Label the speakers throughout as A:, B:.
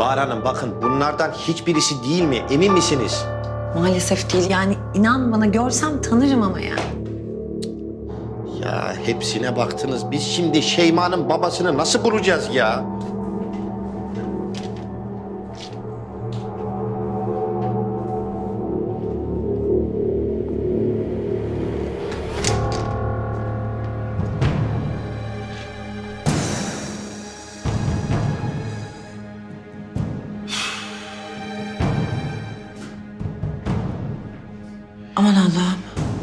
A: Bahar Hanım bakın bunlardan hiçbirisi değil mi? Emin misiniz?
B: Maalesef değil. Yani inan bana, görsem tanırım ama yani.
A: Ya hepsine baktınız. Biz şimdi Şeyma'nın babasını nasıl bulacağız ya?
B: Aman Allah'ım.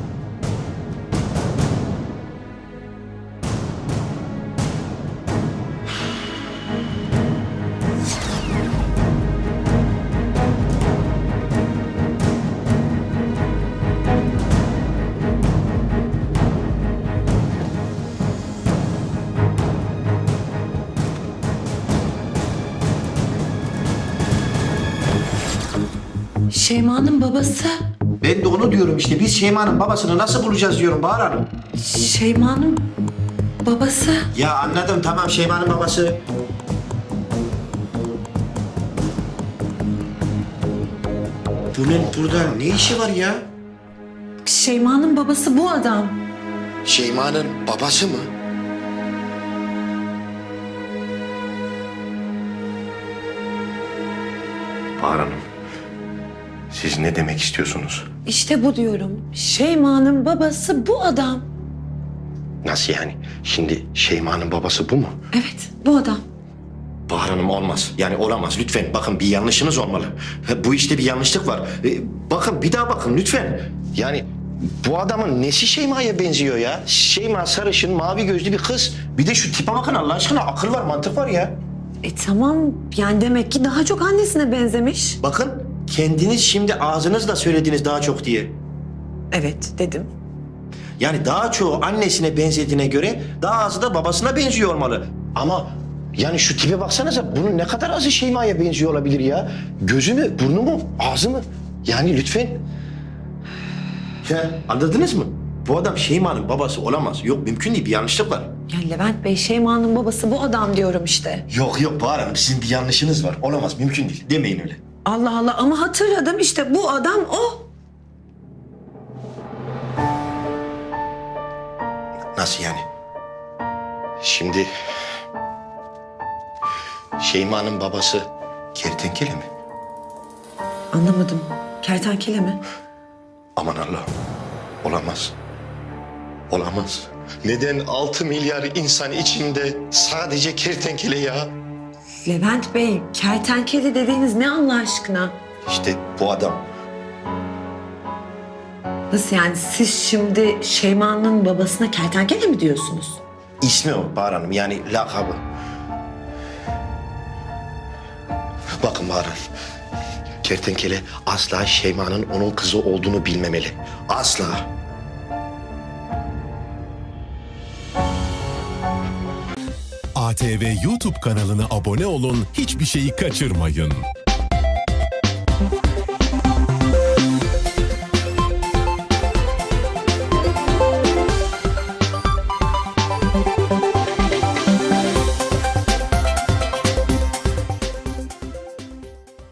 B: Şeyma'nın babası.
A: Ben de onu diyorum işte. Biz Şeyma'nın babasını nasıl bulacağız diyorum Bahar Hanım.
B: Şeyma'nın babası.
A: Ya anladım tamam Şeyma'nın babası. Bunun burada ne işi var ya?
B: Şeyma'nın babası bu adam.
A: Şeyma'nın babası mı? Bahar Hanım, siz ne demek istiyorsunuz?
B: İşte bu diyorum. Şeyma'nın babası bu adam.
A: Nasıl yani? Şimdi Şeyma'nın babası bu mu?
B: Evet, bu adam.
A: Bahar Hanım olmaz. Yani olamaz. Lütfen bakın bir yanlışınız olmalı. Bu işte bir yanlışlık var. Bakın bir daha bakın lütfen. Yani bu adamın nesi Şeyma'ya benziyor ya? Şeyma sarışın, mavi gözlü bir kız. Bir de şu tipe bakın Allah aşkına. Akıl var, mantık var ya.
B: Tamam, yani demek ki daha çok annesine benzemiş.
A: Bakın kendiniz şimdi ağzınızla söylediniz daha çok diye.
B: Evet, dedim.
A: Yani daha çoğu annesine benzediğine göre daha azı da babasına benziyor olmalı. Ama yani şu tipe baksanıza bunun ne kadar azı Şeyma'ya benziyor olabilir ya? Gözü mü, burnu mu, ağzı mı? Yani lütfen. Ya anladınız mı? Bu adam Şeyma'nın babası olamaz. Yok mümkün değil bir yanlışlık var.
B: Ya Levent Bey, Şeyma'nın babası bu adam diyorum işte.
A: Yok yok Bahar Hanım sizin bir yanlışınız var. Olamaz mümkün değil. Demeyin öyle.
B: Allah Allah, ama hatırladım işte, bu adam o.
A: Nasıl yani? Şimdi Şeyma'nın babası kertenkele mi?
B: Anlamadım. Kertenkele mi?
A: Aman Allah'ım. Olamaz. Olamaz. Neden 6 milyar insan içinde sadece kertenkele ya?
B: Levent Bey, kertenkele dediğiniz ne Allah aşkına?
A: İşte bu adam.
B: Nasıl yani, siz şimdi Şeyma'nın babasına kertenkele mi diyorsunuz?
A: İsmi o Bahar Hanım yani lakabı. Bakın Bahar Hanım. Kertenkele asla Şeyma'nın onun kızı olduğunu bilmemeli. Asla.
C: ATV YouTube kanalına abone olun, hiçbir şeyi kaçırmayın.